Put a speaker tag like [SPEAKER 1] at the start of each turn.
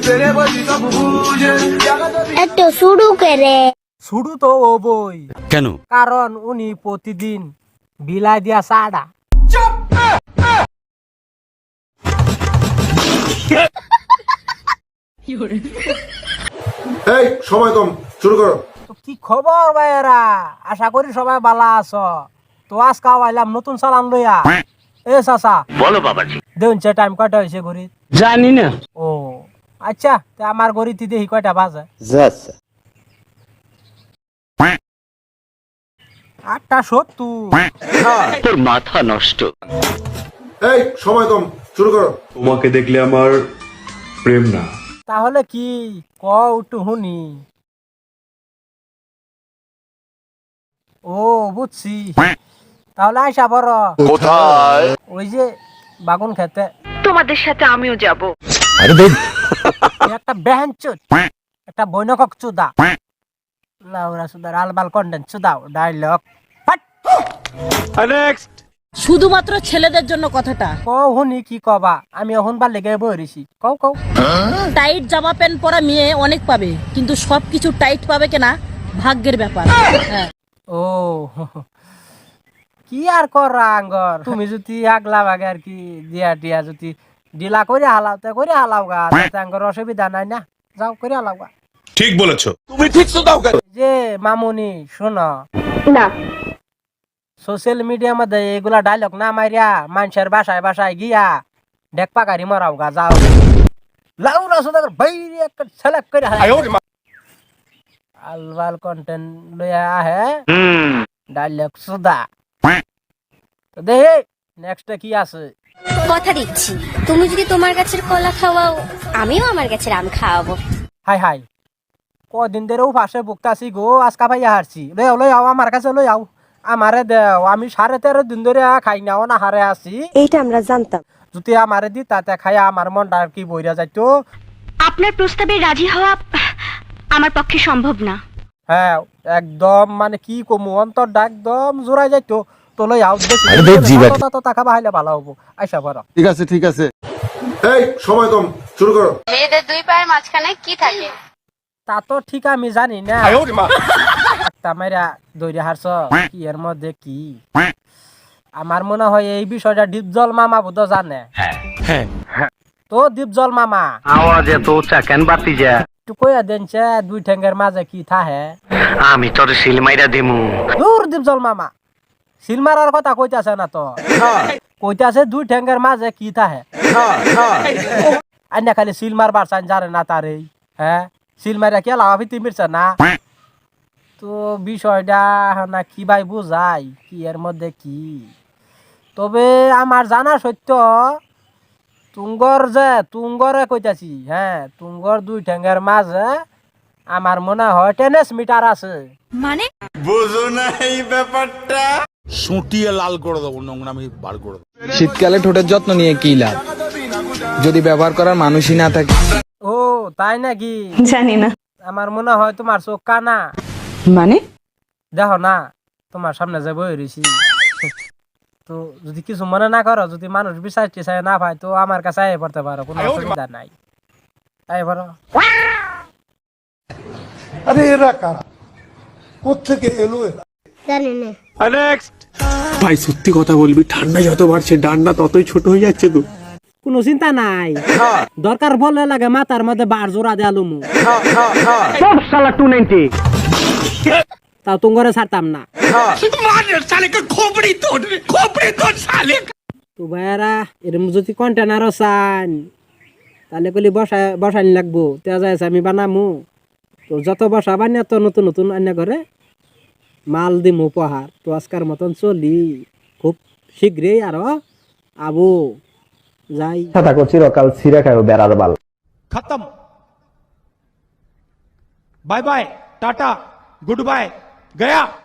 [SPEAKER 1] এত শুরু করে
[SPEAKER 2] শুরু তো ও বই
[SPEAKER 3] কেন?
[SPEAKER 2] কারণ উনি প্রতিদিন বিলাই দিয়া চাড়া।
[SPEAKER 4] এই সময় কম, শুরু করো।
[SPEAKER 2] তো কি খবর ভাইয়েরা, আশা করি সবাই ভালো আছো। তো আজকে আইলাম নতুন চালান লইয়া। এ চাচা
[SPEAKER 3] বলো বাবাজি।
[SPEAKER 2] দেখুন টাইম কয়টা হয়েছে ঘড়ি?
[SPEAKER 3] জানি না।
[SPEAKER 2] ও আচ্ছা, তা আমার ঘড়িতে দেখি কয়টা বাজে। 8:70।
[SPEAKER 3] তোর মাথা নষ্ট।
[SPEAKER 4] এই সময় কম, শুরু করো।
[SPEAKER 5] তোমাকে দেখলে আমার প্রেম না,
[SPEAKER 2] তাহলে কি ক একটু শুনি। ও বুঝছি, তাহলে আইসা বড়
[SPEAKER 4] কোথায়?
[SPEAKER 2] ওই যে বাগুন খেতে।
[SPEAKER 6] তোমাদের সাথে আমিও যাব।
[SPEAKER 2] একটা বেহেন চুদ, একটা বৈনকক চুদা, লাউরা চুদার আলবাল কন্ডেন্স চুদাও ডায়লগ।
[SPEAKER 7] শুধুমাত্র ছেলেদের জন্য কথাটা।
[SPEAKER 2] কও শুনি কি কবা, আমি এখন বার লেগে বইরেছি। কও কও।
[SPEAKER 7] টাইট জামা প্যান্ট পরা মেয়ে অনেক পাবে, কিন্তু সবকিছু টাইট পাবে কিনা ভাগ্যের ব্যাপার। হ্যাঁ।
[SPEAKER 2] ও কি আর করা আঙ্গর, তুমি যদি আগলা ভাগে আর কি দিয়া টিয়া যদি ডিলা করে হালাও তা করে হালাও গা, তাতে আঙ্গর অসুবিধা নাই না, যাও করে হালাও গা।
[SPEAKER 4] ঠিক বলেছো।
[SPEAKER 2] যে মামুনি শোনো
[SPEAKER 6] না,
[SPEAKER 2] সোশ্যাল মিডিয়ার মধ্যে এগুলা ডায়লগ না মারিয়া মানুষের বাসায় বাসায় গিয়া ডেক পাকারি মরাও গা, যাও। লাউরা সুদার বাইরে একটা সেলেক্ট করে আলবাল কন্টেন্ট লইয়া আহে ডায়লগ সুদা। তো দেখে নেক্সট কি আছে।
[SPEAKER 1] কথা দিচ্ছি, তুমি যদি তোমার গাছের কলা খাওয়াও, আমিও আমার গাছের আম খাওয়াবো।
[SPEAKER 2] হাই হাই, কদিন ধরে পাশে বুকতাছি গো, আজকা ভাইয়া হারছি। লই আও আমার কাছে লই আও, আমারে দেও। আমি 13.5 দিন ধরে খাই নাও না হারে আছি।
[SPEAKER 6] এইটা আমরা জানতাম।
[SPEAKER 2] যদি আমারে দি তাতে খাই আমার মনটা আর কি বইরা যাইতো।
[SPEAKER 6] আপনার প্রস্তাবে রাজি হওয়া আমার পক্ষে সম্ভব না।
[SPEAKER 2] হ্যাঁ একদম, মানে কি কমু, অন্তরটা একদম জোড়াই যাইতো। তো লই আও, টাকা বাহাইলে ভালো হবো। আইসা বড়
[SPEAKER 4] ঠিক আছে ঠিক আছে। এই সময় কম, শুরু করো।
[SPEAKER 1] মেয়েদের দুই পায়ের মাঝখানে কি থাকে?
[SPEAKER 2] তা তো ঠিক আমি জানি না। একটা মাইরা দৈরে হারছ কি এর মধ্যে কি। আমার মনে হয় এই বিষয়টা ডিপজল মামা বোধ জানে। তো ডিপজল মামা
[SPEAKER 3] আওয়াজে তো উচ্চা কেন বাতি যা?
[SPEAKER 2] একটু কইয়া দেনছে দুই ঠ্যাঙ্গের মাঝে কি থাহে।
[SPEAKER 3] আমি তোর সিল মাইরা দিমু।
[SPEAKER 2] দূর ডিপজল মামা, সিল মারার কথা কইতাছে না তো, কইতাছে দুই ঠ্যাঙ্গের মাঝে কি থাহে। আইনা খালি সিল মারবার চান জানে না তারে। হ্যাঁ সিল মারা কে লাভাফিতি মিরছে না। তো বিষয়টা না কি ভাই বুঝাই কি এর মধ্যে কি। তবে আমার জানা সত্য তুঙ্গরে কইতাছি। হ্যাঁ তুঙ্গর দুই ঠ্যাঙ্গের মাঝে আমার মনে হয় টেনিস মিটার আছে।
[SPEAKER 7] মানে
[SPEAKER 4] বুঝো না এই ব্যাপারটা।
[SPEAKER 8] সুটিয়ে লাল করে দেবো, নোংরামি বার করে দেবো।
[SPEAKER 9] শীতকালে ঠোঁটের যত্ন নিয়ে কি লাভ যদি ব্যবহার করার মানুষই না থাকে?
[SPEAKER 2] ও তাই নাকি?
[SPEAKER 6] জানি না।
[SPEAKER 2] আমার মনে হয় তোমার চোখ কানা।
[SPEAKER 6] মানে
[SPEAKER 2] দেখো না তোমার সামনে যে বই রয়েছি। তো যদি কিছু মনে না করো, যদি মানুষ বিশ্বাস টিসায় না পায়, তো আমার কাছে আয় পড়তে পারো, কোনো অসুবিধা নাই। আয় পড়ো।
[SPEAKER 8] আরে এরা কারা, কোত্থেকে এলো এরা?
[SPEAKER 1] জানি না।
[SPEAKER 10] ভাই সত্যি কথা বলবি, ঠান্ডা যত বাড়ছে ডান্ডা ততই ছোট হয়ে যাচ্ছে তো।
[SPEAKER 2] কোনো চিন্তা নাই, দরকার বলে লাগে মাথার মধ্যে বার জোড়া দেয়া লুমু।
[SPEAKER 3] শালা 290
[SPEAKER 2] তাও তুঙ্গরে ছাড়তাম না। তো ভাইয়ারা এরম যদি কন্টেনারও চান তাহলে কলি বসানি লাগবো, তেয়া যায় আমি বানামু। তো যত বসা বানিয়ে তো নতুন নতুন আন্না করে মাল দিমু উপহার। তো আজকার মতন চলি, খুব শীঘ্রই আরো আবু যাই।
[SPEAKER 9] থাকো চিরকাল ছিঁড়ে খাও বেড়ার বাল।
[SPEAKER 8] খতম, bye bye, tata, good bye, Gaya.